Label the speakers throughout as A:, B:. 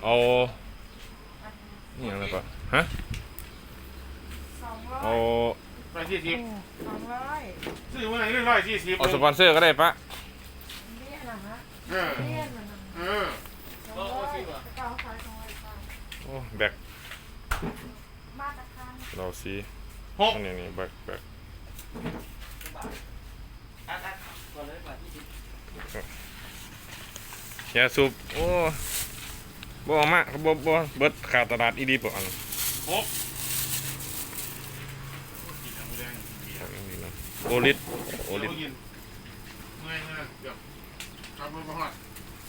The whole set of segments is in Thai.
A: เอานี่อะไรปะฮะเอา
B: 140
C: 200
B: ซื้อเมื่อไหร่140
A: เอาสปอนเซอร์ก็ได้ปะ
C: เนี่ยนะฮะ
B: เออ
C: เนี่ยนะฮะ
B: เออ
C: 200เก้าขาย200
A: โอ้แบก
C: มาตรฐาน
A: เราซี
B: 6
A: อันนี้แบกยาสูบโอ้บ่เอามาบ่เบิดขาดตลาดอีดีป่ะอัน
B: 6
A: โอลิส
B: โอลิสเมื่อยเดี๋ยวขับรถมาฮอด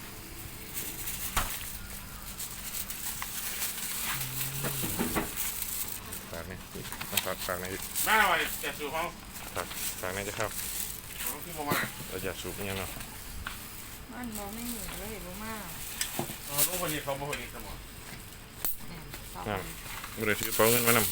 A: ฝากนี่ฝากใน
B: มาหน่อยจะสูบเขา
A: ฝากในจะเข้า
B: เขาคือประมาณ
A: เราจะสูบยังเนาะ
C: มันมองไม่เห็นเลยเห็นบ่มาก
B: ต้องคนนี้เขาบ่คนนี้สมอง
A: นั่นไม่ได้ถือเป๋าเงินมานำ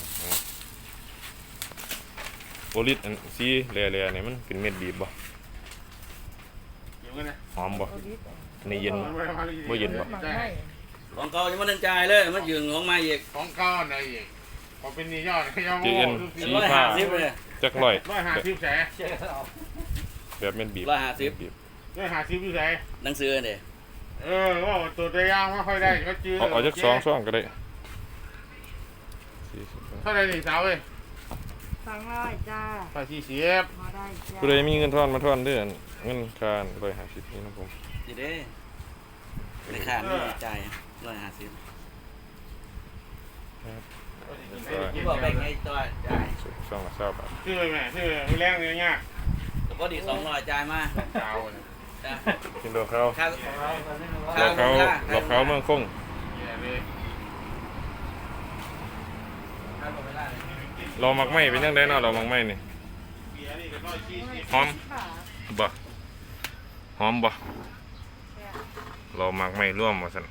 A: โอลิสอันซีแร่ๆเนี่ยมันเป็นเม็ดบีบบ่
B: เดี๋ยวกันนะ
A: หอมบ่ในเย็นบ่เย็นบ่
D: ของเก่าจะมาเดินจ่ายเลยมันยืงของมาอีก
B: ของก้อนอะไรอีกพอเป็นนี่ยอดยอด
A: จีเอ็น
D: เป็น
A: สี
D: 150
A: ฟ้า
D: เลย
A: จักร้อย
B: 150แสน
A: แบบเม็ดบีบ
D: 150
A: บีบ
B: 150อยู่แสน
D: หนังสือเนี่ย
B: ว่าตัวตัวย่างไม่ค่อยได้ก็จื้อ
A: เอาจัก2ก็ได้
B: เท่าไรนี่สาวเอ้ย
C: 200จ้า
B: ไป40
C: พอได้จ้า
A: ผู้ใดมีเงินทอนมาทอนเด้อเงินค่า150นี่นะผม
D: จีเด้ในขาดไม่จ่าย150ที่บอกแบ่งให้ตัวจ่าย
A: ช่องละ20 บาท
B: ชื่อแม่ชื่อมือแรงเนื้อยาก
D: แต่พอดี200จ่ายมา
B: สาวเนี่ย
D: จ้ะ
A: กินดอกเขา
D: ค่า
A: เราเขาเมืองคง
B: แย่เลย
D: ค่าหมดเวลาเลย
A: เรามักไหม้เป็นยังไงเนาะเรามักไหม้นี่
B: เบียร์นี่ก็140
A: หอมบ่หอมบ่เรามักไหม้ร่วมว่าซั่น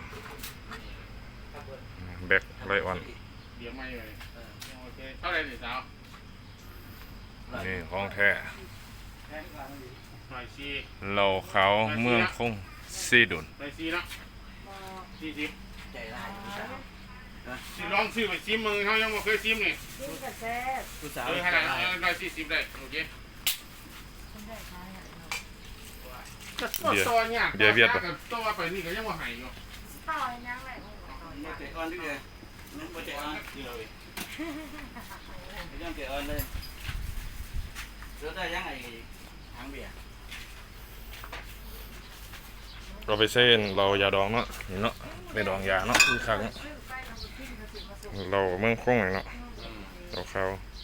A: แบกไรอ่อน
B: เบียร์ไม่เลยโอเคเท่าไรนี่สาว
A: นี่ของแท้
B: 140
A: เราเขาเมืองคงซีดุน
B: 140เนาะ40
D: ใจร้าย
B: สิลองซื้อไปซิมมึงเขายังบ่เคยซิมนี่
C: กินกับแซ่บ
D: ผู้สาว
B: ขนาด140ได้โอเค
C: คนได้ขายอ่ะ
B: ตัวเนี่ยตัวไปนี่ก็ยังบ่หายอยู่
C: ต่อยยังไง
D: ไม่เตะออนด้วยเลยไม่เตะออน
B: เดียวเลย
D: ไม่ต้องเตะออนเลยเสือได้ยังไงทางเบียร์
A: เราไปเส้นเรายาดองเนาะนี่เนาะไปดองยาเนาะอีกครั้งเราเมืองคงเนาะเราเขา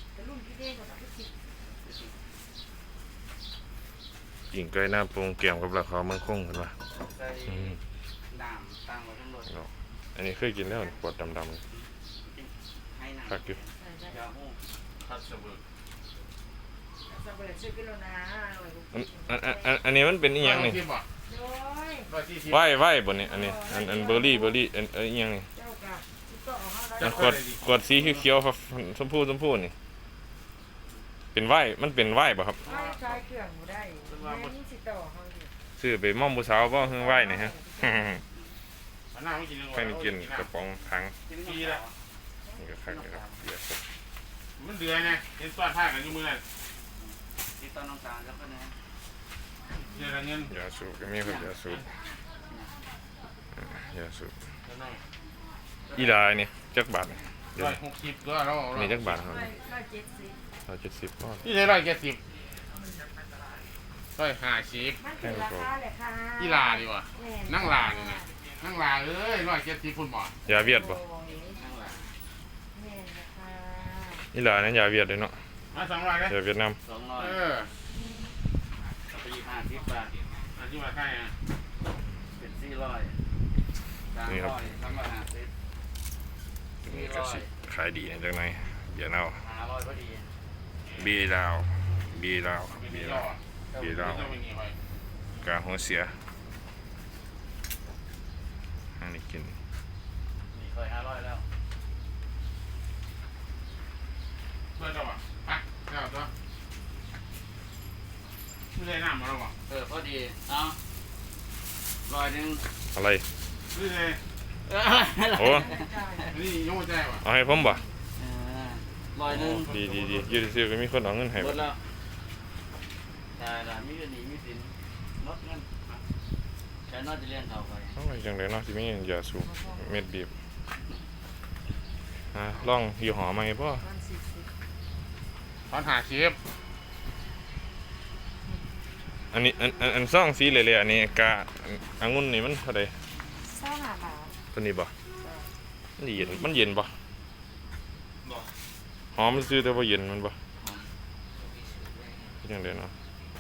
A: หญิงใกล้หน้าปรุงเกี่ยวกับเราเขาเมืองคงเห็นปะ
D: ใส่น้ำตั้งไว้ทั้งหมด
A: อันนี้เคยกินแล้วขวดดำ
D: ให้
A: ๆ
D: น้
A: คักอยู่
D: ำยาหู
B: คัดเสบิร์
C: สเปรย์ซื้อกิโลนะ
A: อันนี้มันเป็นอีหยังนี่
C: โดย
A: ไหว้บนนี่อันนี้อันเบอร์รี่อันอีหยังนี่
C: เจ้ากับที่ต่อเขาได้
A: อันขวดสีเขียวๆครับชมพูนี่เป็นไหว้มันเป็นไหว้ป่ะครับ
C: ไม่ใช้เครื่องบ่ได้แม่นี่สิต่อเขาอยู่
A: ซื้อไปม่อมผู้สาวบ่เฮือไหว้นี่ฮะ
B: หน้าไม่กินเลย
A: ให้มันกินกระป๋องถัง
B: ปีละ
A: นี่ก็คักเลยครับเบียร์สด
B: มันเดือยไงเห็นต้อนผ้ากันอยู่มือนั่น
D: ที่ต้นน้องตาลแล้วก็นะ
B: เดือยเงิน
A: ยาสูบก็มีครับยาสูบยาสูบอีลานี่จักบาทนี่เดี๋ยว
B: 160ก็เรา
A: นี่จักบาทครับ
C: 170
A: 170บาท
B: นี่ใช่170 150
C: มันเป็นราคาแหละค่ะ
B: กีฬาดีว่ะนั่งลานี่นะนั่งลาเอ้ย170คุณหมอย
A: าเวียดบ่
D: ข้างหลัง
C: แม่นะคะ
A: อีลานั้นยาเวียดเลยเนาะ
B: มา200เลย
A: ยาเวียดนาม
D: 200กับไป50 บาท
B: อันที่มาใช่อ่ะ
D: เป็น400 300 350
A: นี่ก็สิขายดีในจังไหนเบียร์เน่า
D: 500พอดี
A: บีลาวบีลาว
B: ไม่
A: บี
B: มี
A: ลาว บีลาว
B: ไม่มีหอย
A: กาหัวเสียอันนี้กิน
D: นี่เคย500แล้ว
B: เพื่อนเราอ่ะอ่ะเจ้าตัวไม่ได้น้ำมาแล้วอ่ะ
D: พอดีเอา100
A: อะไร
B: ไม่ได้
A: โอ้
B: นี่ยกใจว่ะ
A: เอาให้ผมบ่
D: 100
A: ดียืดซื้อก็มีคนเอาเงินให้
D: หม
A: บ่
D: ดแล้วได้ละมีก็ดีมีสินลดเงินใช้นอกจะเรียนเขาไป
A: เอาไว้จังไดเนาะสิมียาสูบเม็ดบีบลองยี่ห้อใหม่บ่
C: มัน40
B: ตอนหาเชฟ
A: อันนี้อันซองสีเหล่ๆอันนี้กะองุ่นนี่มันเท่าใด
C: 25บาท
A: ตัวนี้บ่มันเย็นบ่หอมมันซื้อแต่บ่เย็นมันบ่จังไดเนาะ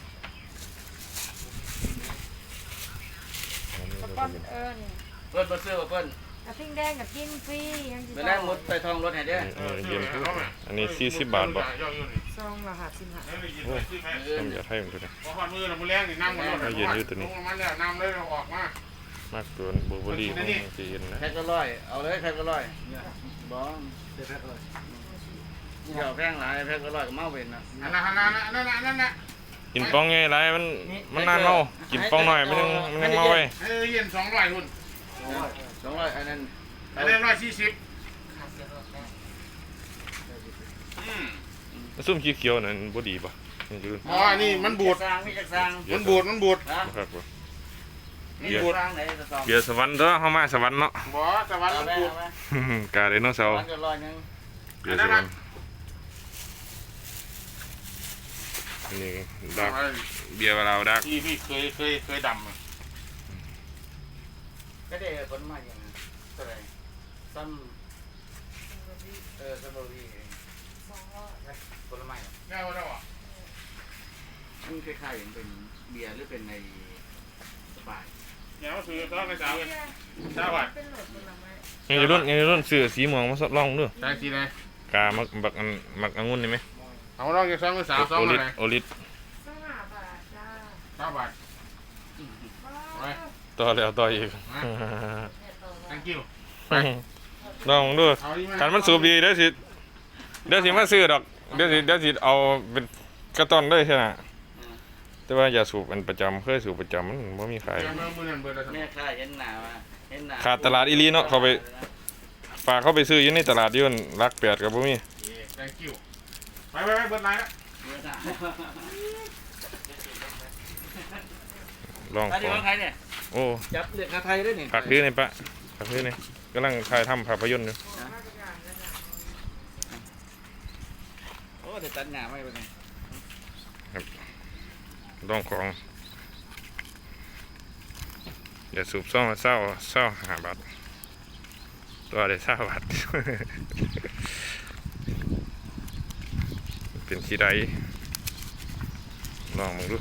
C: สปอนเอิ้น
D: เพิ่นบ่ซื้อบ่เพิ่น
C: กระทิงแดงกับกินฟรียังสิ
D: ไปแลกหมดไปทองรถให้เด้อ
A: เย็นคืออันนี้40 บาทบ่
C: ซองละ55
A: น้ำยาไทยมันตัวนี้
B: พอมือเรามือแรงนี่น้ำมันลงมันแล้วน้ำเลยเราออกมาม
A: ากตัวเบอร์เบอรี่มันจะเย็นนะ
D: แพ็คละร้อยเอาเลยแพ็คละร้อยบ่เดี๋ยวแพ็คละร้อยเดี๋ยวแพงหลายแพ็คละร้อยก็เมาเว้นนะ
B: นั่นน่ะ
A: กินป้องไงไรมันนานเมากินป้องหน่อยมันยังเมาไว้
B: เย็น200หุ่น
D: 200อันนั้น
B: อันนี้140
A: ซุ่มเขียวๆนั่นบ่ดีป่ะนี่คือ
B: อ๋อนี่มันบูด
D: สร้างมีจักสร้าง
B: มันบูด
D: นะ
A: ครับบ่
B: มันบูด
D: สร้างไหนจะสอบ
A: เกียร์สวรรค์เด้อเฮามาสวรรค์เนาะ
B: บ่สวรรค์มันบูด
A: กาไดโนเสาร์
D: มันก็ร้อยนึง
A: เกียร์สวรรค์นี่ดักเบียร์เราดัก
B: ที่พี่เคยดำ
D: ก็ได้ผลมาอย่างนั้นเท่าไหร่ซ้ำซัมเบอรี่ผลไม้
B: แก้วแล้วอ่ะ
D: มันคล้ายๆอย่างเป็นเบียร์หรือเป็นในสปาย
B: เนี่ยมันคือต้องไปสาวสาว
C: เป็นโหลดผลไม้
A: ยังรุ่นซื้อสีม่วงมาลองดู
B: ใช่สิเลย
A: กามักองุ่นนี่มั้ย
B: เอาลองจะ2หรือ3 2อะไร
A: โอลิส
C: 25บาทจ้า
B: 9 บาท
A: ต่อแล้วต่ออีก
B: thank you
A: ลองดูการมันสูบดีเดี๋ยวสิมาซื้อดอกเดี๋ยวสิเอาเป็นกระต้อนเลยใช่ไหมแต่ว่าอย่าสูบเป็นประจำเคยสูบประจำมันบ่มีขาย
D: แม่ค่าเห็นหนาว่าเห็นหนา
A: ขาดตลาดอีหลีเนาะเขาไปฝากเขาไปซื้ออยู่ในตลาดอยู่รักแปดกับบ่มี
B: thank you ไปเบิดไลน์แล้ว
A: ลอง
D: อัน
A: ข
D: นี้
A: อ
D: ของใครเนี่ย
A: โอ้
D: จับเลือกคาไทยด้วยนี่
A: ผักพื้นนี่ปะผักพื้นนี่กำลังถ่ายทำภาพยนตร์อยู่
D: โอ้เดี๋ยวตัดหนาไม่ไปเลย
A: ลองของอย่าสูบซ่องมาเศร้า5 บาทตัวได้20 บาท เป็นที่ใดลองมึงดู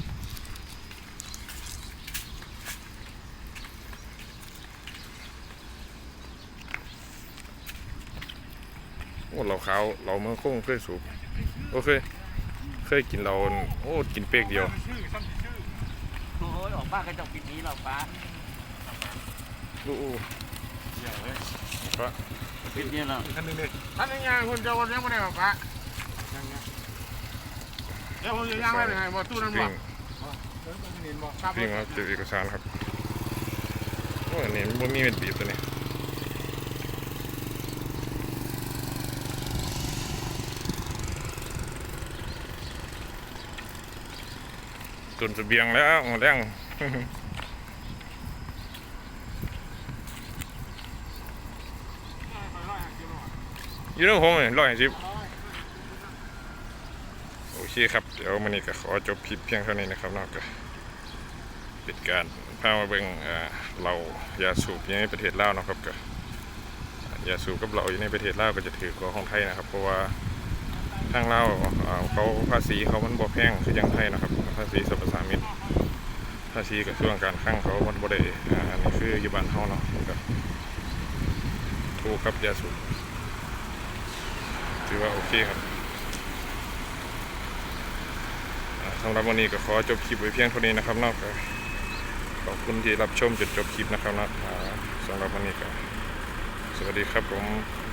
A: โอ้เราขาวเราเมื่อคงเคยสูบโอเคยกินเราโอ้กินเป๊กเดียว
D: โอ้ยออกบ้านกระจกปิดนี้หรอป้า
A: ดูปะ
D: ปิดนี้แล้ว
B: ท่านนี้ยังคุณจะวันยังไม่ได้หรอปะเดี๋ยวผมจะย่างได้ยังไงบ่ตู้นั้นบ่
A: พี่มาเจอเอกสารครับโอ้อันนี้มันมีเม็ดบีบตัวนี้ตุนเสบียงแล้วหมดแรง อยู่ในผมเลย150โอเคครับ เดี๋ยววันนี้ก็ขอจบคลิปเพียงเท่านี้นะครับนอกจากเป็นการพามาเบิ่งเรายาสูบอยู่ในประเทศลาวนะครับก็ยาสูบกับเราอยู่ในประเทศลาวก็จะถือกว่าของไทยนะครับ เพราะว่าทางลาวเขาภาษีเขามันบ่แพงคืออย่างไทยนะครับภาษีสรรพสามิตภาษีกับช่วงการคลังเขามันบ่ได้อันนี้คืออยู่บ้านเฮาเนาะก็ถูกครับยาสูบถือว่าโอเคครับสำหรับวันนี้ก็ขอจบคลิปไว้เพียงเท่านี้นะครับนอกจากขอบคุณที่รับชมจนจบคลิปนะครับนะสำหรับวันนี้ก็สวัสดีครับผม